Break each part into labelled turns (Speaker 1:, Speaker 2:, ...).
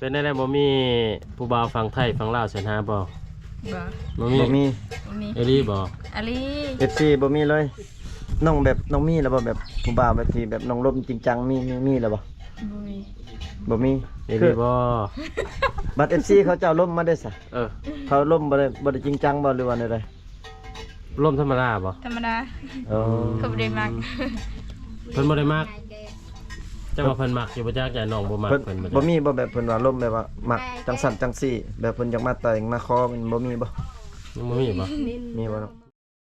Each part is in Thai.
Speaker 1: เป็นได้บ่มีผู้บ่าวฟังไทยฟังลาวเสินหาบ่
Speaker 2: บ่
Speaker 1: บ่มี
Speaker 2: มี
Speaker 1: เอลี่บ่
Speaker 2: อาลี
Speaker 3: FC บ่มีเลยน้องแบบน้องมีแล้วบ่แบบผู้บ่าวแบบที่แบบน้องลมจริงจังมีแล้วบ่
Speaker 2: บ่มี
Speaker 3: บ่มี
Speaker 1: เอลี่บ่
Speaker 3: บัด MC เขาเจ้าล่มมาได้ซะ
Speaker 1: เออ
Speaker 3: เขาล่มบ่ได้จริงจังบ่หรือว่าได
Speaker 1: ร่มธรรมดาบ่
Speaker 2: ธรรมดา
Speaker 3: อ๋อ
Speaker 2: เขาบ่ได้มัก
Speaker 1: เพิ่นบ่ได้มักจะว่าเพิ่นมักอยู่บ่จักอย่าน้องบ่มัก
Speaker 3: เพิ่น
Speaker 1: เพิ่น
Speaker 3: บ่มีบ่แบบเพิ่นว่าล่มแบบว่ามักจังสั่นจังซี่แบบเพิ่นอยากมาแต่งมาขอมันบ่มีบ่
Speaker 1: ยังบ่มีบ่
Speaker 3: มีบ่เนาะ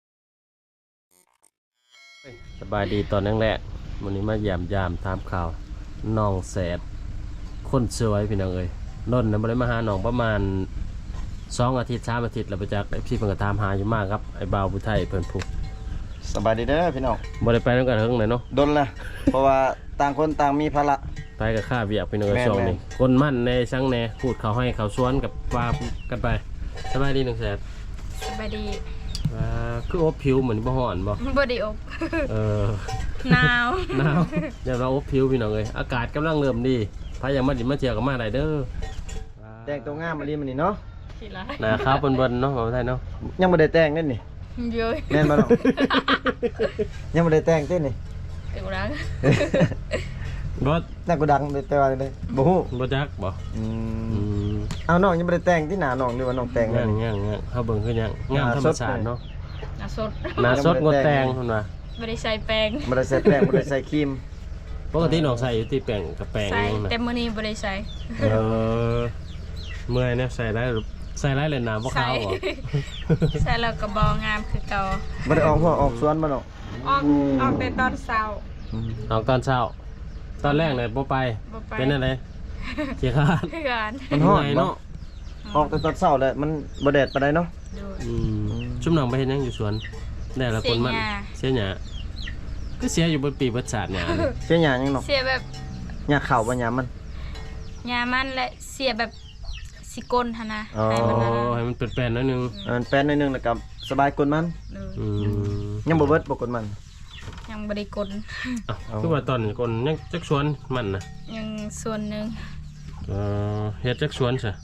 Speaker 1: สบายดีตอนแรกๆมื้อนี้มาเยี่ยมยามถามข่าวน้องแสดคนสวยพี่น้องเอ้ยนนท์น่ะบ่ได้มาหาน้องประมาณ2 อาทิตย์3 อาทิตย์แล้วบ่จักพี่เพิ่นก็ตามหาอยู่มากครับไอ้บ่าวผู้ไทยเพิ่นพุก
Speaker 3: สบายดีเด้อพี่น้อง
Speaker 1: บ่ได้ไปนำกันเฮิงเลยเนาะ
Speaker 3: ดนละเพราะว่าต่างคนต่างมีภาระ
Speaker 1: ไปกับข้าเวียกพี่น้องเอ้ย
Speaker 3: แม่น
Speaker 1: ช่วงนี้คนมั่นในช่างแหน่พูดเขาให้เขาสวนกับว่ากันไปสบายดี1แสน
Speaker 2: สบายดี
Speaker 1: คืออบผิวเหมือนบ่ฮ้อนบ่
Speaker 2: บ่ได้อบ
Speaker 1: เออ
Speaker 2: หนาว
Speaker 1: หนาวเดี๋ยวเราอบผิวพี่น้องเอ้ยอากาศกำลังเริ่มดีพายังมาดิมาเที่ยวกับมาได้เด้อ
Speaker 3: แต่งตัวงามมาลีมันนี่เนาะ
Speaker 2: สิล่ะ
Speaker 1: หน้าขาวเบิ่นๆเนาะบ่ไทยเนาะ
Speaker 3: ยังบ่ได้แต่งเด้นี่
Speaker 2: เยอะ
Speaker 3: แม่นบ่ น้อง ยังบ่ได้แต่งเด้นี่
Speaker 2: เดี๋ยวรัก
Speaker 1: บ่
Speaker 3: น่ากูดังไปว่าเลยบ่ฮู้
Speaker 1: บ่จักบ่
Speaker 3: อื
Speaker 1: อื
Speaker 3: ม
Speaker 1: ม
Speaker 3: เอาน้องยังบ่ได้แต่งที่หน้าน้องหรือว่าน้องแต่ง
Speaker 1: ยั
Speaker 3: แล้ว
Speaker 1: ง
Speaker 3: นี่
Speaker 1: ยังเฮาเบิ่งคือยังงามธรรมชาติเนาะ
Speaker 2: หน้าสด
Speaker 1: หน้าสดงดแต่งเพิ่นว่า
Speaker 2: บ่ได้ใส่แป้ง
Speaker 3: บ่ได้ใส่แป้งบ่ได้ใส่ครีม
Speaker 1: ปกติน้องใส่อยู่ที่แป้งกับแป้ง
Speaker 2: ใส่
Speaker 1: นั่นน่ะ
Speaker 2: แต่มื้อนี้บ่ได้ใส่
Speaker 1: เออเมื่อยเนี่ยใส่ได้เลยน้ำบ่ขาวบ่
Speaker 2: ใส่แล้วก็บ่งามคือเก่า
Speaker 3: บ่ได้ออกหัวออกสวนบ่น้อง
Speaker 2: ออกแต่ตอนเช้า
Speaker 1: ออกตอนเช้า ตอนแรกเนี่ยบ่ไป
Speaker 2: บ่ไป
Speaker 1: เป็นอะไรเขี้ยขาด
Speaker 2: เพื่อน
Speaker 3: มันฮ้อน
Speaker 1: เหอย
Speaker 3: บ่
Speaker 1: เนาะ
Speaker 3: ออกแต่ตอนเช้าแล้วมันบ่แดดปานใดเนาะ
Speaker 2: ดู
Speaker 1: ชุ่มหนองไปเห็นยังอยู่สวนได้ละคนมันเสียหยาก็เสียอยู่บนปีประสาทหยาเนี่ย
Speaker 3: เสียหยังยังน้อง
Speaker 2: เสียแบบ
Speaker 3: หญ้าข้าวบ่หญ้ามัน
Speaker 2: ยามันและเสียแบบสิกลหั่นนะ
Speaker 3: อ๋อ
Speaker 2: ให้มัน
Speaker 1: โอ้
Speaker 2: นะ
Speaker 1: ให้มันเป็นแป้นๆหนิดนึง
Speaker 3: มันแป้นหนิดนึงแล้วก็สบายกลมัน
Speaker 2: ดู
Speaker 1: อืม
Speaker 3: ยังบ่เบิดบ่กลมัน
Speaker 2: ยังบ่ได้กล
Speaker 1: เอ้าคือว่าตอนนี้คนยังจักสวนมันนะ
Speaker 2: ยังส่วนหนึง
Speaker 1: เฮ็ดจักสวนซะ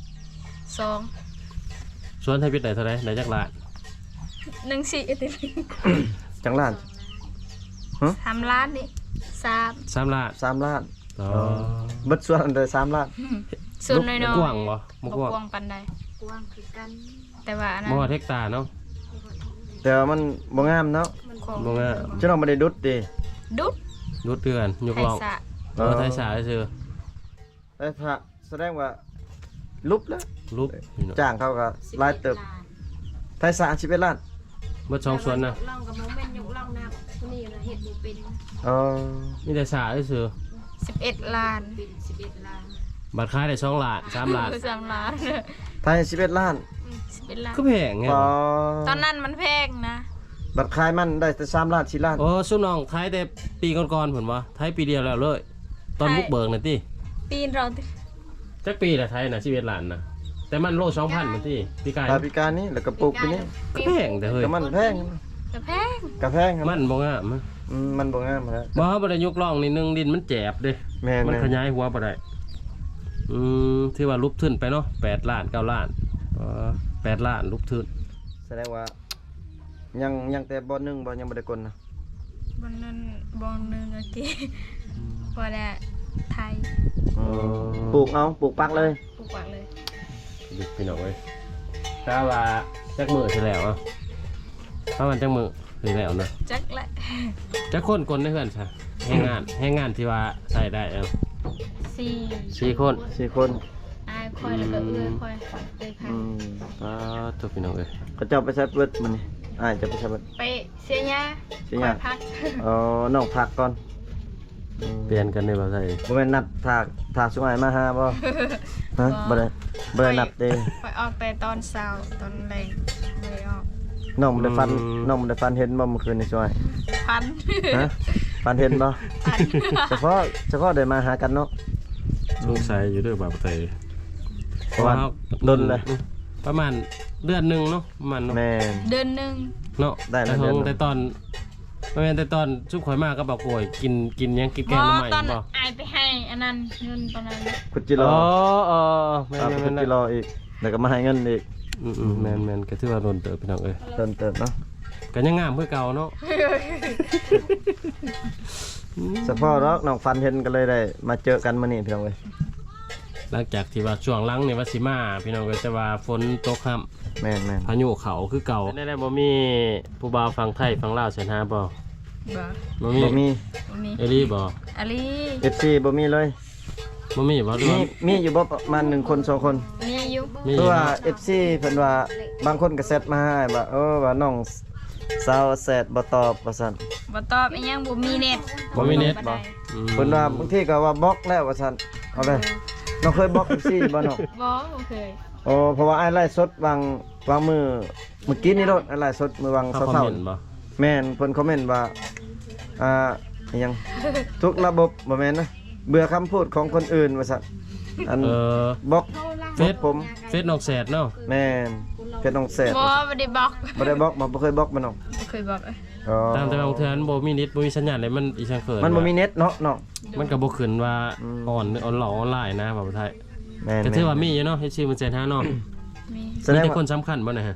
Speaker 2: 2
Speaker 1: สวนไทยพิษได้เท่าไหร่ได้จักล้าน
Speaker 2: 1 4ติ
Speaker 3: จังล้าน
Speaker 2: 3 ล้านนี่3
Speaker 1: 3ล้าน
Speaker 3: 3 ล้าน
Speaker 1: อ๋อ
Speaker 3: เบิดส่วนอันเด้อ3ล้าน
Speaker 2: ส่วนน้อยๆ
Speaker 1: กว้างบ่บ่
Speaker 2: บ่
Speaker 1: กว้าง
Speaker 2: กว้างปานใดกว้างคือกัน แต่ว่าอันนั้
Speaker 1: บ่
Speaker 2: น
Speaker 1: ฮอดเฮกตาร์เนาะ
Speaker 3: แต่ว่ามันบ่งามเนาะ
Speaker 1: บ่งาม
Speaker 3: จะน้องบ่ได้ดุดดิ
Speaker 2: ดุด
Speaker 1: รุดเดือนยก
Speaker 2: ไท
Speaker 1: ล
Speaker 2: ย
Speaker 1: อง
Speaker 2: สะ
Speaker 1: ไทยสาซื่อ
Speaker 3: แต่ถ้าแสดงว่าลุบแล้ว
Speaker 1: รูปนี่เนาะ
Speaker 3: จ้างเขาก็รายเติบไทยสะ11ล้าน
Speaker 1: เบิด2สวนนะ
Speaker 4: ลองกับน้องเป็นยกลองนับคนนี้นะเห็ดบุเป็น
Speaker 3: อ๋อ
Speaker 1: มีแต่สาซื่อ
Speaker 2: 11 ล้าน
Speaker 4: เป็น11 ล้าน
Speaker 1: บัตรขายได้2ล้าน3ล้าน
Speaker 2: 3 ล้าน
Speaker 3: ไทย11ล้าน
Speaker 2: 11 ล้าน
Speaker 1: ก็แพงไง
Speaker 3: ปอ
Speaker 2: ตอนนั้นมันแพงนะ
Speaker 3: บัตรขายมันได้แต่3ล้าน4ล้าน
Speaker 1: โอ้สุน้องไทยแต่ปีก่อนๆผมว่าไทยปีเดียวแล้วเลย ตอนบุกเบิกน่ะติ
Speaker 2: ปีนเรา
Speaker 1: จักปีละไทยน่ะ11ล้านน่ะแต่มันโล2,000มันติปีกาย
Speaker 3: ปลายปีการนี้แล้วก็ปลูกปีนี้
Speaker 1: ก็แพงแต่เฮ้ย
Speaker 3: ก็มันแพง
Speaker 2: ก็แพง
Speaker 3: กะแพงครับ
Speaker 1: มันบ่งามอะ
Speaker 3: มันบ่งามแล้ว
Speaker 1: บ่บ่ได้ยกล่องนี่นึงดินมันแจบเด้
Speaker 3: แม่น
Speaker 1: มันขยายหัวบ่ได้ที่ว่าลุบทึนไปเนาะ8ล้าน9ล้าน8ล้านลุบทึน
Speaker 3: แสดงว่ายังแต่บ่1บ่ยังบ่ได้กลนะ
Speaker 2: บนนั้นบนหนึงโอเคพอได้ไทย
Speaker 3: ปลูกเอาปลูกปักเลย
Speaker 2: ปลูกปักเลย
Speaker 1: ดิพี่น้องเอ้ยถ้าว่าจักมื้อสิแล้วอ่ะถ้ามันจักมื้อสิแล้วเนาะ
Speaker 2: จักละ
Speaker 1: จักคนคนในเฮือนซะแรงงานที่ว่าใส่ได้เอา
Speaker 2: 4
Speaker 1: 4คน
Speaker 3: 4คน
Speaker 2: อายคอยแล้วก็เอื้อคอยพัน
Speaker 1: ตัวพี่น้องเอ้ย
Speaker 3: เขาเจ้าไปใช้เบิดมื้อนี้อ้ายจะไปใช้เบิด
Speaker 2: ไปเสียยา
Speaker 3: เสียหญ้า
Speaker 2: คอยพัก
Speaker 3: น้องพักก่อน
Speaker 1: เปลี่ยนกันได้บ่ใส่
Speaker 3: บ่แม่นนัดถากสุงอ้ายมาหาบ่ฮะบ่ได้นัดเด้
Speaker 2: คอยออกแต่ตอนเช้าตอนแรงไม่ได้ออก
Speaker 3: น้องบ่ได้ฟันเห็นบ่เมื่อคืนนี่ช่วย
Speaker 2: พัน
Speaker 3: ฮะฟันเห็นบ่
Speaker 2: พัน
Speaker 3: เฉพาะได้มาหากันเนาะ
Speaker 1: สงสัยอยู่เด้อบ่าวไทย
Speaker 3: เพราะว่าดนเลย
Speaker 1: ประมาณเดือนหนึงเนาะประมาณเนาะ
Speaker 3: แม่น
Speaker 2: เดือนหนึง
Speaker 1: เนาะ
Speaker 3: ได้แล้วเดือนหนึ่ง
Speaker 1: แต่ตอนบ่แม่นแต่ตอนชุบข่อยมากก็บอกโอยกินหยังกินแกงหน่อไม้
Speaker 2: ตอน
Speaker 1: บ่
Speaker 2: อายไปให้อันนั้นเงินตอนนั้น
Speaker 3: ขุดจิร
Speaker 1: อ๋
Speaker 3: อ
Speaker 1: อแม่
Speaker 3: ขุด
Speaker 1: น
Speaker 3: จิรออีกแล้วก็มาให้เงินอีก
Speaker 1: แม่นก็ถือว่าโดนเติบพี่น้องเอ้ย
Speaker 3: เติมเนาะ
Speaker 1: ก็ยังงามคือเก่าเนาะ
Speaker 3: เฉพาะน้องฟันเห็นกันเลยได้มาเจอกันมื้อนี้พี่น้องเอ้ย
Speaker 1: หลังจากที่ว่าช่วงหลังนี่ว่าสิมาพี่น้องก็จะว่าฝนตกค่ำ
Speaker 3: แม่น
Speaker 1: พายุเขาคือเก่าได้บ่มีผู้บ่าวฟังไทยฟังลาวเสิหาบ่
Speaker 2: บ่
Speaker 1: บ่
Speaker 3: บ่มี
Speaker 2: บ่มี
Speaker 1: เอลี่บ่
Speaker 2: อาลี
Speaker 3: FC บ่มีเลย
Speaker 1: บ่มีบ่หรือ
Speaker 3: มี
Speaker 1: ว่า
Speaker 3: มีอยู่บ่ประมาณ1คน2คน
Speaker 2: มีอยู่
Speaker 1: มี
Speaker 3: เพราะว่า FC เพิ่นว่าบางคนก็แชทมาให้ว่าว่าน้องสาวแชทบ่ตอบว่าซั่น
Speaker 2: บ่ตอบอีหยังบ่มีเน็ต
Speaker 1: บ่มีเน็ต
Speaker 2: ได้
Speaker 3: เพิ่นว่าบางทีก็ว่าบล็อกแล้วว่าซั่นเอาเลยน้องเคยบล็อก FC บ่น้อง
Speaker 2: บ่เคย
Speaker 3: โอ้เพราะว่าไอ้ไล่สดวางมือเมื่อกี้นี่รถไอ้ไล่สดมือวาง
Speaker 1: เขาคอม
Speaker 3: เศร้า
Speaker 1: เมนต์บ่
Speaker 3: ๆแม่นเพิ่นคอมเมนต์ว่าอิหยัง ทุกระบบบ่แม่นนะเบื่อคำพูดของคนอื่นว่าซั่นอัน
Speaker 1: เออบ
Speaker 3: ล็อก
Speaker 1: เฟซ
Speaker 3: ผม
Speaker 1: เฟซนอกแสดเนาะ
Speaker 3: แม่นเพชรน้องแสบ
Speaker 2: บ่ได้บล็อก
Speaker 3: บ่ได้บล็อกบ่เคยบล็อกมันน้อง
Speaker 2: บ่เคยบล็อก
Speaker 3: อ๋อ
Speaker 1: ตามแต่บางเทื่อมันบ่มีเน็ตบ่มีสัญญาณเลยมันอีสังเขิน
Speaker 3: มันบ่มีเน็ตเนาะน้อง
Speaker 1: มันก็บ่ขึ้นว่า
Speaker 3: อืม
Speaker 1: ออนหลอกออนไลน์นะบ่าวไทย
Speaker 3: แม่น
Speaker 1: ก็ถือว่ามีอยู่เนาะเฮ็ดชื่อมันแสนหาเนาะ
Speaker 2: มี
Speaker 3: แส
Speaker 1: มี
Speaker 3: ดง
Speaker 1: แต่
Speaker 3: ว่า
Speaker 1: คนสำคัญบ่นะฮะ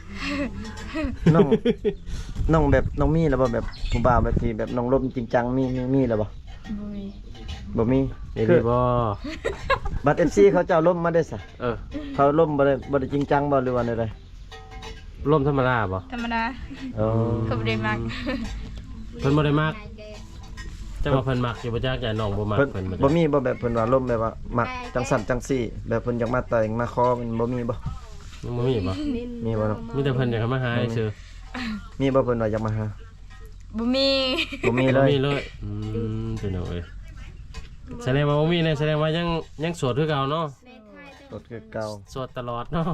Speaker 3: น้องแบบน้องมีแล้วบ่แบบผู้บ่าวแบบที่แบบน้องลมจริงจังมีแล้วบ่
Speaker 2: บ่มี
Speaker 3: บ่มี
Speaker 1: เอลี่บ่
Speaker 3: บัตร MC เขาเจ้าล่มมาได้ซะ
Speaker 1: เออ
Speaker 3: เขาล่มบ่ได้จริงจังบ่หรือว่าใด
Speaker 1: ร่มธรรมดาบ่
Speaker 2: ธรรมดา
Speaker 3: ๆอ๋อ
Speaker 2: เขาบ่ได้มัก
Speaker 1: เพิ่นบ่ได้มักจะว่าเพิ่นมักอยู่บ่จักอย่าน้องบ่มัก
Speaker 3: เพิ่น
Speaker 1: เพิ่นบ่
Speaker 3: บ่มีบ่แบบเพิ่นว่าล่มแบบว่ามักจังสั่นจังซี่ แบบเพิ่นอยากมาแต่งมาขอมันบ่มีบ่
Speaker 1: ยังบ่มีบ่
Speaker 3: มีบ่เนาะ
Speaker 1: มีแต่เพิ่นอยากให้มาหาซื่อ
Speaker 3: มีบ่เพิ่นว่าอยากมาหา
Speaker 2: บ่มี
Speaker 3: บ่มีเล
Speaker 1: บ่
Speaker 3: ย
Speaker 1: มีเลยพี่น้องเอ้ยแสดงว่าบ่มีเนี่ยแสดงว่ายังโสดคือเก่าเนาะ
Speaker 3: รถคือเก่า
Speaker 1: โสดตลอดเนาะ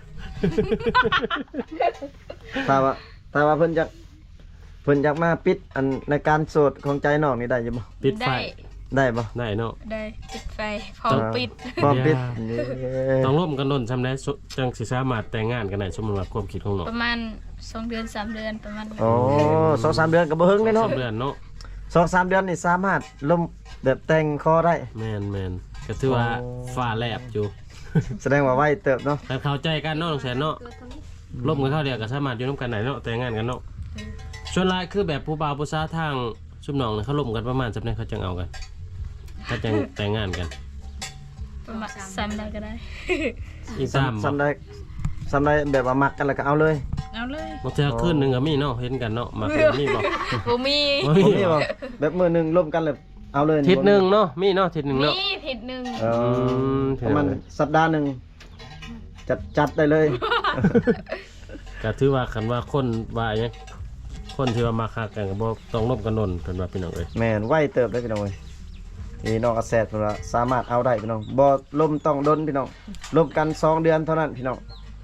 Speaker 3: ถ้าว่าเพิ่นอยากมาปิดอันในการโสดของใจน้องนี่ได้อยู่บ่
Speaker 1: ปิดไฟ
Speaker 2: ได้
Speaker 3: ได้บ่
Speaker 1: ได้เนาะ
Speaker 2: ได้ปิดไฟพร้อมปิด
Speaker 3: พร้อมปิด
Speaker 1: ต้องร่วมกันดนซำได้จังสิสามารถแต่งงานกันได้สมมุติว่าความคิดของน้อง
Speaker 2: ประมาณ2เดือน3เดือนประมาณนั้น
Speaker 3: โอ้2-3 เดือนก็บ่เฮิงเลยเนาะ
Speaker 1: สองเดือนเนาะ
Speaker 3: 2-3 เดือนนี่สามารถล่มแบบแต่งคอได้
Speaker 1: แม่นก็ถือว่า
Speaker 3: โอ้
Speaker 1: ฟ้าแลบอยู่
Speaker 3: แสดงว่าไวเติบเนาะ
Speaker 1: แต่เข้าใจกันเนาะน้องแสนเนาะร่วมกันเข้าเดียวก็สามารถอยู่นํกันได้เนาะแต่งงานกันเนาะส่วนหลายคือแบบผู้บ่าวผู้สาวทางชุมน้องเนี่ยเขาร่วมกันประมาณจับได้เขาจังเอากันเขาจังแต่งงานกัน
Speaker 2: ประมาณ3ได้ก็ได้
Speaker 1: อีกสามบ่
Speaker 3: ซ้ำได้แบบว่ามักกันแล้วก็เอาเลย
Speaker 2: เอาเลย
Speaker 1: บางเทื่อคืนหนึงก็มีเนาะเห็นกันเนาะมาเป็นมีบ่
Speaker 2: บ่มี
Speaker 1: บ่
Speaker 3: ผม
Speaker 1: มี
Speaker 3: นี่
Speaker 1: บ่
Speaker 3: บ่แบบมือหนึงร่วมกันเลยเอาเลย
Speaker 1: ทิศหนึงเนาะมีเนาะทิศหนึง
Speaker 2: มี
Speaker 1: เนาะ
Speaker 2: ผิดหนึง
Speaker 3: เออ
Speaker 1: ม
Speaker 3: ประมาณสัปดาห์หนึงจัดได้เลย
Speaker 1: ก็ถือว่าคันว่าคนว่าหยังคนที่ว่ามาคักกันก็บ่ต้องร่วมกันนนเพิ่นว่าพี่น้องเอ้ย
Speaker 3: แม่นไวเติบได้พี่น้องเอ้ยนี่น้องอาแซดเพิ่นว่าสามารถเอาได้พี่น้องบ่ล่มต้องดนพี่น้องล่มกัน2เดือนเท่านั้นพี่น้อง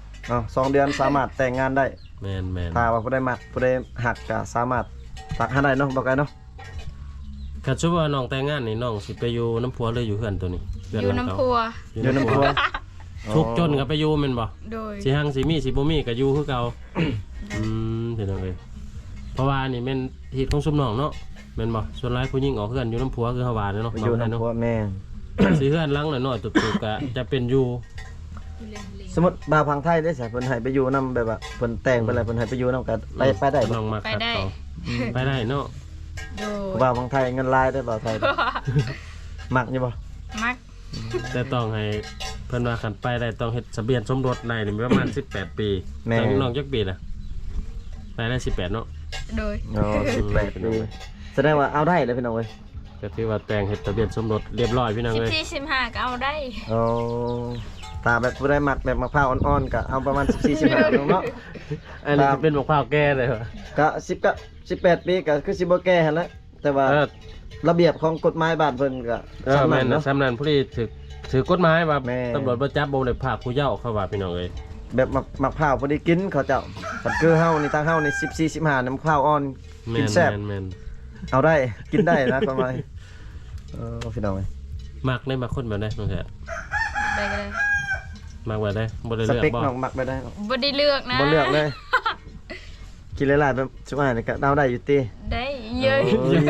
Speaker 3: 2เดือนสามารถแต่งงานได้
Speaker 1: แม่น
Speaker 3: ถ้าว่าผู้ใดมักผู้ใดหักก็สามารถตักหาได้เนาะบ่ไกลเนาะ
Speaker 1: คันสมมุติว่าน้องแต่งงานนี่น้องสิไปอยู่น้ำผัวหรืออยู่เฮือนตัวนี้เฮื
Speaker 2: อยู่
Speaker 1: หลัง
Speaker 2: น้ำ
Speaker 1: เก่า
Speaker 2: พัว
Speaker 3: อยู่น้ำพัว
Speaker 1: ทุกข์จนก็ไปอยู่แม่นบ่
Speaker 2: โดย
Speaker 1: สิหังสิมีสิบ่มีก็อยู่คือเก่าพี่น้องเอ้ยเพราะว่านี่แม่นเหตุของซุมน้องเนาะแม่นบ่ส่วนหลายผู้หญิงออกเฮือนอยู่น้ำผัวคือเฮาว่าเนาะ
Speaker 3: อยู่
Speaker 1: เนาะ
Speaker 3: น้ำพัวแม่น
Speaker 1: สิเฮือนหลังน้อยๆตุกๆก็จะเป็นอยู่
Speaker 3: สมมุติบ่าวพังไทยได้ซะเพิ่นให้ไปอยู่นํแบบว่าเพิ่นแต่งไปแล้วเพิ่นให้ไปอยู่นํกันไปได้บ่
Speaker 1: น้องมาคัดเขาไปได้เนาะ
Speaker 2: โดย
Speaker 3: บ่าวพังไทยเงินลายได้บ่าวไทยมักอยู่บ่
Speaker 2: มัก
Speaker 1: แต่ต้องให้เพิ่นว่าคันไปได้ต้องเฮ็ดทะเบียนสมรสได้นี่ประมาณ18 ปีน้องจักปีน่ะได้18เนาะ
Speaker 2: โดย
Speaker 3: อ๋อ18ปีแสดงว่าเอาได้เลยพี่น้องเอ้ย
Speaker 1: ก็ถือว่าแต่งเฮ็ดทะเบียนสมรสเรียบร้อยพี่น้องเอ้ย
Speaker 2: 14 15ก็เอาได้
Speaker 3: อ๋อถ้าแบบผู้ใดมักแบบมะพร้าวอ่อนๆก็เอาประมาณ14-15เนาะ
Speaker 1: อันนี้สิเป็นมะพร้าวแก่เลยว่ะ
Speaker 3: ก็10ก็18ปีก็คือสิบ่แก่หั่นแหละแต่ว่า
Speaker 1: เออ
Speaker 3: ระเบียบของกฎหมายบ้านเพิ่นก็
Speaker 1: แม่
Speaker 3: สำ
Speaker 1: น
Speaker 3: เนาะ
Speaker 1: สำนันผู้ที่ถือกฎหมายว่า
Speaker 3: แม่
Speaker 1: ตำรวจบ่จับบ่ได้พาผู้เยาว์เข้าว่าพี่น้องเอ้ย
Speaker 3: แบบมะพร้าวพอดีกินเขาเจ้าแต่คือเฮานี่ทางเฮานี่14-15น้ำมะพร้าวอ่อน
Speaker 1: แม่
Speaker 3: กิน
Speaker 1: น
Speaker 3: แซ่บ
Speaker 1: แม่น
Speaker 3: เอาได้กินได้นะประมาณพี่น้องเอ้ย
Speaker 1: มักได้มาคนแบบได้น้องแท้
Speaker 2: ได้ก็ได้
Speaker 1: มักแบบได้บ่ได้
Speaker 3: ส
Speaker 1: เลือก
Speaker 3: เปค
Speaker 1: บ่
Speaker 3: น้องมักไปได้เนาะ
Speaker 2: บ่ได้เลือกนะ
Speaker 3: บ่เลือกเลยกินหลายๆแบบช่วงนี้ก็เอาได้อยู่ติ
Speaker 2: ได้เยอะ
Speaker 3: โอ้ย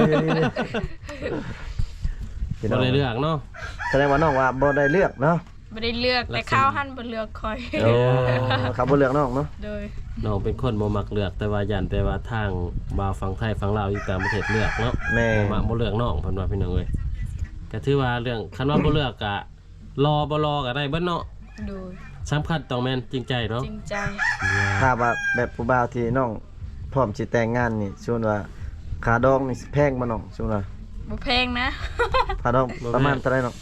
Speaker 3: พี่น้
Speaker 1: บ่
Speaker 3: อง
Speaker 1: ได้เลือกเนาะ
Speaker 3: แสดงว่าน้องว่าบ่ได้เลือกเนาะ
Speaker 2: บ่ได้เลือกแต่ข้าวหั่นบ่เลือกคอย
Speaker 3: โอ้ครับบ่เลือกน้องเนาะ
Speaker 2: โดย
Speaker 1: น้องเป็นคนบ่มักเลือกแต่ว่ายันแต่ว่าทางบ่าวฝั่งไทยฝั่งลาวอยู่ต่างประเทศเลือกเนาะ
Speaker 3: แม่
Speaker 1: บ่มักบ่เลือกน้องเพิ่นว่าพี่น้องเอ้ยก็ถือว่าเรื่องคันว่าบ่เลือกก็รอบ่รอก็ได้เบิดเนาะ
Speaker 2: โดย
Speaker 1: สำคัญต้องแม่นจริงใจเนาะ
Speaker 2: จริงใจ
Speaker 3: ถ้าว่าแบบผู้บ่าวที่น้องพร้อมสิแต่งงานนี่ชวนว่าค่าดองนี่สิแพงบ่น้องชวนว่า
Speaker 2: บ่แพงนะ
Speaker 3: ค่าดองประมาณเท่าไหร่น้อง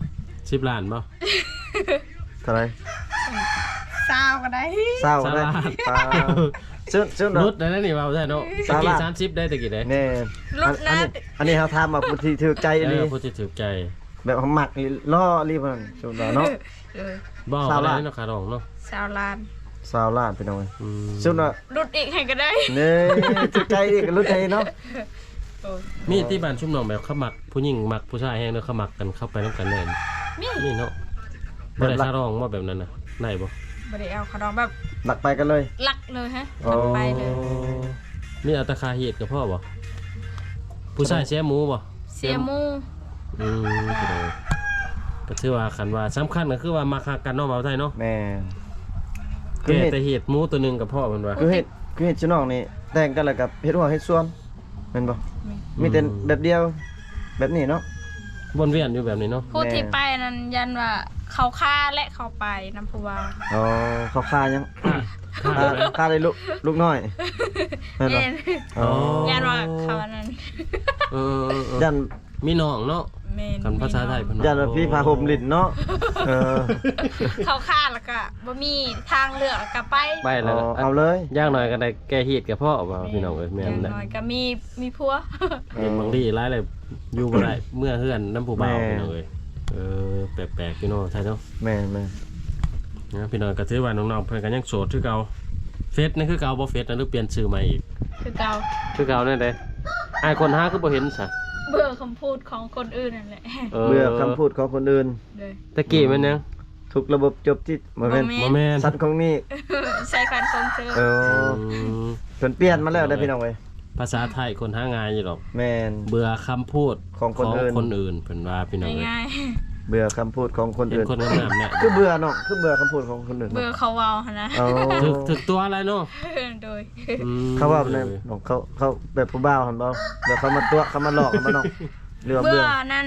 Speaker 1: 10ล้านบ่
Speaker 3: เท่าไหร่
Speaker 2: ซาวก็ได้
Speaker 3: เศร้าได้ปลาชวน
Speaker 1: รุดได้แล้วนี่ว่าได้เนาะ
Speaker 3: สา
Speaker 1: ตะ
Speaker 3: ระ
Speaker 1: กี้30ได้ตะกี้ได้
Speaker 3: แน่
Speaker 2: รุดนะ
Speaker 3: อันนี้เฮาถามมาผู้ที่ถูกใจอีหลี
Speaker 1: ผู้ที่ถูกใจ
Speaker 3: แบบเขามักนี่ล่ออีหลีเพิ่นชวนว่าเนาะ
Speaker 2: โดย
Speaker 1: บ่เอา
Speaker 3: สา
Speaker 1: ก็
Speaker 3: ระ
Speaker 1: ได้เนาะขาดองเนาะ
Speaker 2: 20 ล้าน
Speaker 3: 20ล้านพี่น้องเอ้ย
Speaker 1: อืม
Speaker 3: ชวนว่า
Speaker 2: รุดอีกให้ก็ได้
Speaker 3: นี่ถูกใจอีกรู้ใจเนาะ
Speaker 2: โอ้ย
Speaker 1: มีที่บ้านชุมน้องแบบเขามักผู้หญิงมักผู้ชายแฮงเด้อเขามักกันเข้าไปนำกันแน่น
Speaker 2: นี่
Speaker 1: นี่เนาะบ่ได้ขาดองบ่แบบนั้นน่ะได้บ่
Speaker 2: บ่ได้เอาขนมแบบ
Speaker 3: หลักไปกันเลย
Speaker 2: ลักเลยฮะ
Speaker 3: อ๋อ
Speaker 2: ทำไปเลย
Speaker 1: นี่เอาแตะคาเฮ็ดกับพ่อบ่ผู้ชายเสียหมูบ่
Speaker 2: เสียหมู
Speaker 1: พี่น้องก็ถือว่าคันว่าสำคัญก็คือว่ามาคักกันเนาะบ่าวไทยเนาะ
Speaker 3: แม่คือ
Speaker 1: แก่
Speaker 3: เฮ็ด
Speaker 1: แต่เฮ็ดหมูตัวหนึงกับพ่อเพิ่นว่า
Speaker 3: คือเฮ็ดชิน้องนี่แต่งกันแล้วกับเฮ็ดหัวเฮ็ดส่วนแม่นบ่มีแต่แบบเดียวแบบนี้เนาะ
Speaker 1: วนเวียนอยู่แบบนี้เนาะ
Speaker 2: พูดที่ไปนั้นยันว่าเขาฆ่าและเขาไปน้ำผู้ว่า
Speaker 3: อ๋อเขาฆ่ายัง
Speaker 1: ค่าไหม
Speaker 3: ฆ่าได้ลูกน้อยแม่นบ่
Speaker 2: เย็น
Speaker 3: อ๋อ
Speaker 2: ยันว่าเขานั้น
Speaker 1: เออ
Speaker 3: ยัน
Speaker 1: มีน้องเนาะ
Speaker 2: เมน
Speaker 1: กันภาษาไทยเพิ่น
Speaker 3: ยันว่าพี่พาห่มลิ้นเนาะเออ
Speaker 2: เขาฆ่าแล้วก็บ่มีทางเลือกแล้วก็ไป
Speaker 1: ไปแล้ว
Speaker 3: เอาเลย
Speaker 1: อย่างน้อยก็ได้แก้เฮ็ดกับพ่อว่าพี่น้องเอ้ยแม่
Speaker 2: อน ย่าง
Speaker 1: แหละ
Speaker 2: น้อยก็มีผัว
Speaker 1: เห็นบางทีหลายเลยอยู่บ่ได้เมื่อเฮือนน้ำผู้บ่าวพี่น้องเอ้ยแปลกๆพี่น้องไทยเนาะ
Speaker 3: แม่น
Speaker 1: นะพี่น้องก็ถือว่าน้องๆเพิ่นก็ยังโสดคือเก่าเฟซนี่คือเก่าบ่เฟซนะหรือเปลี่ยนชื่อใหม่อีก
Speaker 2: คือเก่า
Speaker 1: คือเก่าแน่เด้อ้ายคนหาคือบ่เห็นซะ
Speaker 2: เบื่อคำพูดของคนอื่นนั่นแหละ
Speaker 3: ๆเบื่อคำพูดของคนอื่น
Speaker 2: เลย
Speaker 1: ตะกี้มันยัง
Speaker 3: ทุกระบบจบที่บ่แม่น
Speaker 1: บ่แม่น
Speaker 3: สัตว์ของนี่
Speaker 2: ใช้การคงเจอ
Speaker 3: เออ
Speaker 1: อืม
Speaker 3: เพิ่นเปลี่ยนมาแล้วได้อพี่น้องเว้ย
Speaker 1: ภาษาไทยคนหางานอยู่ดอก
Speaker 3: แม่น
Speaker 1: เบื่อคำพูด
Speaker 3: ของคนอื่น
Speaker 1: คนอื่นเพิ่นว่าพี่น้องเอ้ย
Speaker 2: ง่าย
Speaker 3: เบื่อคำพูดของคน
Speaker 1: เห็น
Speaker 3: อื่น
Speaker 1: คนงามๆเนี่ย
Speaker 3: คือเบื่อเนาะคือเบื่อคำพูดของคนอื่น
Speaker 2: ๆเบื่อเขาเว้าหั่นนะ
Speaker 3: เอา
Speaker 1: ถึกตัวอะไรเนาะ
Speaker 2: โดย
Speaker 1: อืม
Speaker 3: เขาว่าเนี่ยน้องเขาแบบผู้บ่าวหั่นบ่เดี๋ยวเขามาตัวเขามาหลอกกันบ่น้องเรือ
Speaker 2: เบื่
Speaker 3: เบื่
Speaker 2: อ
Speaker 3: อ
Speaker 2: นั่น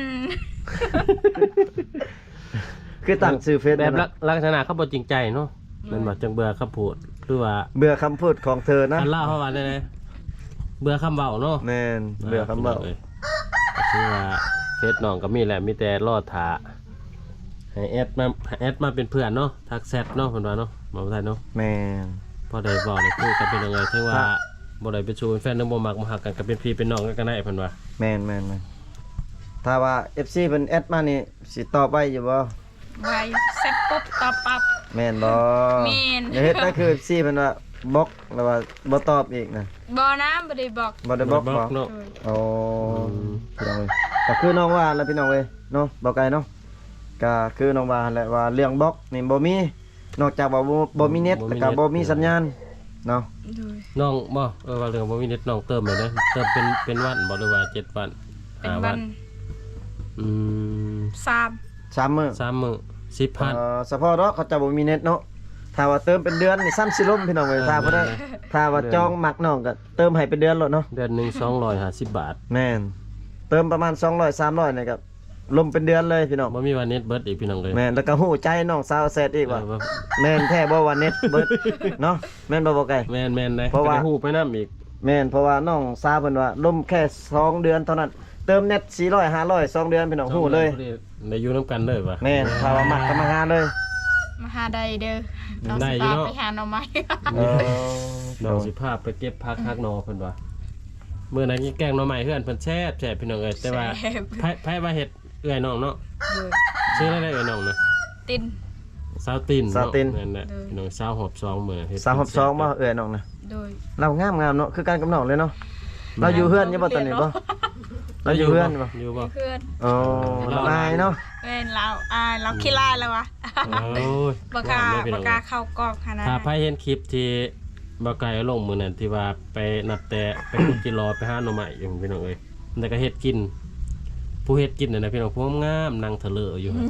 Speaker 3: คือตั้งชื่อเฟซ
Speaker 1: แบบ
Speaker 3: นะ
Speaker 1: ลักษณะเขาบ่จริงใจเนาะมันบ่จังเบื่อคำพูดหรือว่า
Speaker 3: เบื่อคำพูดของเธอนะ
Speaker 1: อันเล่าเขาว่าได้ไดเบื่อคำเว้าเนาะ
Speaker 3: แม่นเบื่อคำเว้า
Speaker 1: ก็คือว่าเฟซน้องก็มีแหละมีแต่รอท่าให้แอดมาเป็นเพื่อนเนาะทักแชทเนาะเพิ่นว่าเนาะบ่ได้เนาะ
Speaker 3: แม่น
Speaker 1: พอได้เว้าได้คุยกันเป็นยังไงถึงว่าบ่ได้ไปชูเป็นแฟนนึงบ่มักบ่ฮักกันก็เป็นพี่เป็นน้องกันก็ได้เพิ่นว่า
Speaker 3: แม่นถ้าว่า FC เพิ่นแอดมานี่สิตอบไปอยู่บ่
Speaker 2: ไว้เสร็จปุ๊บตอบปั๊บ
Speaker 3: แม่นบ่
Speaker 2: แม่น
Speaker 3: อย่าเฮ็ดนั่นคือ FC เพิ่นว่าบล็อกแล้วว่าบ่ตอบอีกนะ
Speaker 2: บ่นะบ่ได้บอก
Speaker 3: บ่ได้บล็อกบ่
Speaker 1: เนาะ
Speaker 3: อ๋อพี่น้องเว้ยก็คือน้องว่าแล้วพี่น้องเว้ยเนาะบ่ไกลเนาะก็คือน้องว่าแหละว่าเรื่องบล็อกนี่บ่มีนอกจากว่าบ่มีเน็ตแล้วก็บ่มีสัญญาณเนาะ
Speaker 2: โดย
Speaker 1: น้องบ่ว่าเรื่องบ่มีเน็ตน้องเติมเลยเด้อเติมเป็นวันบ่หรือว่า7วัน
Speaker 2: เป็น
Speaker 1: 5
Speaker 2: วั
Speaker 1: วัน นอืม
Speaker 3: 3 มื้อ
Speaker 1: 3มื้อ10,000
Speaker 3: เฉพาะเนาะเขาจะบ่มีเน็ตเนาะถ้าว่าเติมเป็นเดือนนี่ซ้ำสิล่มพี่น้องเว้ยถ้าบ่ได้ถ้าว่าจองมักน้องก็เติมให้เป็นเดือนโลดเนาะ
Speaker 1: เดือนหนึง250 บาท
Speaker 3: แม่นเติมประมาณ200 300นี่ก็ล่มเป็นเดือนเลยพี่น้อง
Speaker 1: บ่มีว่าเน็ตเบิดอีกพี่น้องเลย
Speaker 3: แม่นแล้วก็ฮู้ใจน้องสาวแซดอีกว่า
Speaker 1: ว่า
Speaker 3: แม่นแท้บ่ว่าเน็ตเบิดเนาะแม่นบ่ไกล
Speaker 1: แม่นๆได้
Speaker 3: เพราะว่า
Speaker 1: ก็ได้ฮู้ไปนำอีก
Speaker 3: แม่นเพราะว่าน้องสาวเพิ่นว่าล่มแค่2เดือนเท่านั้นเติมเน็ต400 500 2เดือนพี่น้องฮู้เลย
Speaker 1: ได้อยู่นํกันเลยว่ะ
Speaker 3: แม่นถ้าว่ามักก็มาหาเลย
Speaker 2: มาหาได้เด้อเรา
Speaker 1: ได้
Speaker 2: สิ
Speaker 1: อยู่
Speaker 2: พา
Speaker 1: เนาะ
Speaker 2: ไปหาหน่อไม้
Speaker 3: เออ
Speaker 1: น้องสิพาไปเก็บผักฮักนอเพิ่นว่ามื้อนั้นกินแกงหน่อไม้เฮือนเพิ่นแซ่บพี่น้องเอ้ยแต่ว่า
Speaker 2: แซ่บ
Speaker 1: ไผว่าเฮ็ดเอื้อยน้องเนาะ
Speaker 2: โดย
Speaker 1: ชื่ออะไรเอื้อยน้องนะ
Speaker 2: ติน
Speaker 1: สาวติน
Speaker 3: สาวติน
Speaker 1: นั่นแหละ
Speaker 2: เออ
Speaker 1: พี่น้องสาวหอบซองมื้อเฮ็ด
Speaker 3: 362บ่เอ้ยน้องนะ
Speaker 2: โดย
Speaker 3: เรางามเนาะคือกันกับน้องเลยเนาะเราอยู่เฮือนอยู่บ่ตอนนี้บ่เราอยู่เฮือนอยู่บ่
Speaker 1: อยู่บ่
Speaker 2: เพื่อน
Speaker 3: อ๋อเราอายเนาะ
Speaker 2: แม่นเราเราขี้ลายแล้ววะ
Speaker 1: โอ้ย
Speaker 2: บ่กล้า
Speaker 1: ว่เลยพี่
Speaker 2: บ่
Speaker 1: น้อง
Speaker 2: กล้าเข้ากล้องขนาด
Speaker 1: ถ้า
Speaker 2: นั้น
Speaker 1: ไผเห็นคลิปที่บ่ไกลลงมื้อนั้นที่ว่าไปนับแต่ไปขุดจิรอไปหาหน่อไม้อยู่พี่น้องเอ้ยแล้วก็เฮ็ดกิน ผู้เฮ็ดกินน่ะนะพี่น้องผู้งามนั่งเถลออยู่หั่น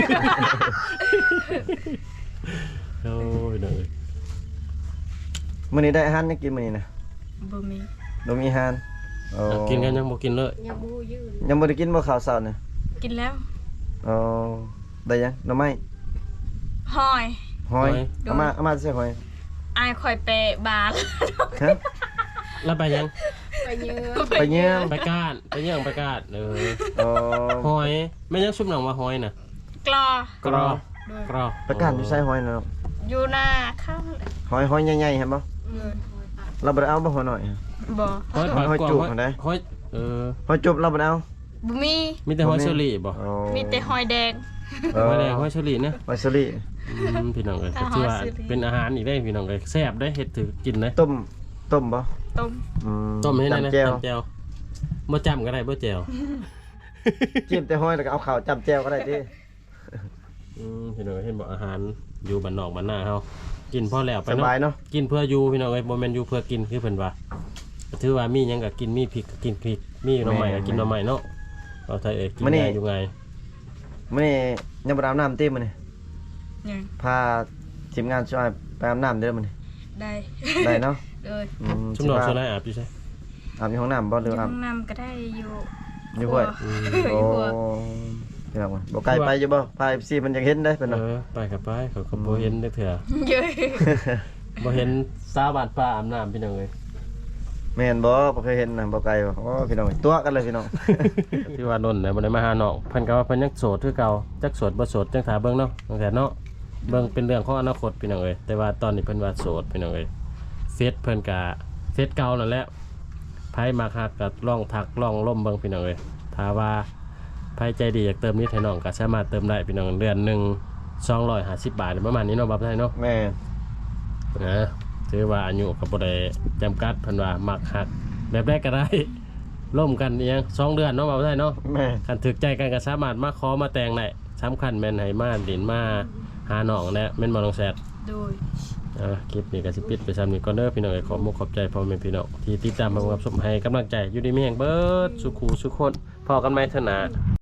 Speaker 1: โอ้ยเด้อ
Speaker 3: มื้อนี้ได้อาหารยังกินมื้อนี้นะ
Speaker 2: บ่มี
Speaker 3: บ่มีอาหารโอ้
Speaker 1: กินกันยังบ่กินเลย
Speaker 4: ยังบูยืน
Speaker 3: ยังบ่ได้กินบ่ข้าวเช้านี่
Speaker 2: กินแล้ว
Speaker 3: อ๋อได้ยังหน่อไม้
Speaker 2: หอย
Speaker 3: หอยเอามาใส่หอย
Speaker 2: อายคอยไปบาล
Speaker 3: ฮะ
Speaker 1: แล้วไปยัง
Speaker 4: ไปเยอะ
Speaker 3: ไปเยี่ยม
Speaker 1: ไปก้านไปยังไปก้าน
Speaker 3: อ๋อ
Speaker 1: หอยแม่ยังซุปหนังว่าหอยน่ะ
Speaker 2: กลอก
Speaker 1: รอ
Speaker 2: โดย
Speaker 1: กรอ
Speaker 3: ประกาศอยู่ใส่หอยเนาะ
Speaker 2: อยู่หน้าข้าง
Speaker 3: หอยใหญ่ๆเห็นบ่
Speaker 2: เลย
Speaker 3: เราบ่ได้เอาบ่หอยน้อย
Speaker 2: บ่
Speaker 1: หอย
Speaker 3: หอยจุกหั่นเด้
Speaker 1: หอย
Speaker 3: หอยจุบเราบ่ได้เอา
Speaker 2: บ่มี
Speaker 1: มีแต่หอยเชอรี่บ่
Speaker 3: อ๋อ
Speaker 2: มีแต่หอยแดง
Speaker 1: หอยแดงหอยเชอรี่นะ
Speaker 3: หอยสลิ
Speaker 1: พี่น้องเอ้ย
Speaker 2: ถ้า
Speaker 1: ก็ถือว่า
Speaker 2: หอยเชอรี่
Speaker 1: เป็นอาหารอีกได้พี่น้องเอ้ยแซ่บได้เฮ็ดถือกินได้
Speaker 3: ต้มบ่
Speaker 2: ต้ม
Speaker 1: ต้มให้ได้นะ
Speaker 3: จำแจ่ว
Speaker 1: จำแจ่วบ่จำก็ได้บ่แจ่ว
Speaker 3: จิ้มแต่หอยแล้วก็เอาข้าวจำแจ่วก็ได้ติ
Speaker 1: พี่น้องเห็นบอกอาหารอยู่บ้านนอกบ้านหน้าเฮากินพอแล้วไป
Speaker 3: ส
Speaker 1: เนาะ
Speaker 3: บายเนาะ
Speaker 1: กินเพื่ออยู่พี่น้องเอ้ยบ่แม่นอยู่เพื่อกินคือเพิ่นว่าก็ถือว่ามีหยังก็กินมีพริกก็กินพริกมีหน่อไม้ก็กินหน่อไม้เนาะเอาไทยเอ้ยกินง่ายอยู่ไง
Speaker 3: มื้อนี้ยังบ่ได้อาบน้ำติมื้อนี้
Speaker 2: ยัง
Speaker 3: พาทีมงานช่วยไปอาบน้ำเด้อมื้อนี้
Speaker 2: ได้
Speaker 3: ได้เนาะ
Speaker 2: เลย
Speaker 1: ชุมนอนโซนอาบอยู่ใช่
Speaker 3: อาบอยู่ห้องน้ำบ่หรือ
Speaker 2: ห้
Speaker 3: อา
Speaker 2: อบ งน้ำก็ได้อยู่
Speaker 3: อยู่ห้วย
Speaker 2: ครั
Speaker 3: โอ้
Speaker 2: ว
Speaker 3: พี่น้องบ่ไกลไปอยู่บ่พา FC มันอยากเห็นได้เพิ่น
Speaker 1: เอ
Speaker 3: เนาะ
Speaker 1: อไปกับไปเขาก็บ่เห็นได้เถื่อ
Speaker 2: เยอะ
Speaker 1: บ่เห็นสาวบาดป่าอาบน้ำพี่น้องเอ้ย
Speaker 3: แม่นบ่เคยเห็นนะบ่ไกลบ่โอ้พี่น้องตัวกันเลยพี่น้อง
Speaker 1: ที่ว่านนท์น่ะบ่ได้มาหาน้องเพิ่นก็ว่าเพิ่นยังโสดคือเก่าจักโสดบ่โสดจังถาเบิ่งเนาะตั้งแต่เนาะเบิ่งเป็นเรื่องของอนาคตพี่น้องเอ้ยแต่ว่าตอนนี้เพิ่นว่าโสดพี่น้องเอ้ยเฟซเพิ่นก็เฟซเก่านั่นแหละไผมาคักก็ลองทักลองล่มเบิ่งพี่น้องเอ้ยถ้าว่าไผใจดีอยากเติมนิดให้น้องก็สามารถเติมได้พี่น้องเดือนหนึง250 บาทประมาณนี้เนาะบ่ได้เนาะ
Speaker 3: แม่
Speaker 1: นะถือว่าอายุก็บ่ได้จำกัดเพิ่นว่ามักฮักแบบใดก็ได้ร่วมกันอีหยัง2 เดือนเนาะบ่ได้เนาะ
Speaker 3: แม่
Speaker 1: คันถึกใจกันก็สามารถมาขอมาแต่งได้สำคัญแม่นให้มาดินมาหาน้องแหละแม่นบ่น้องแซด
Speaker 2: โดย
Speaker 1: คลิปนี้ก็สิปิดไปซ้ำนี้ก่อนเด้อพี่น้องขอมุกขอบใจพ่อแม่พี่น้องที่ติดตามรับชมให้กำลังใจอยู่ดีมีแห่งเบิดสุขูสุขคนพอกันใหม่เถอะนะ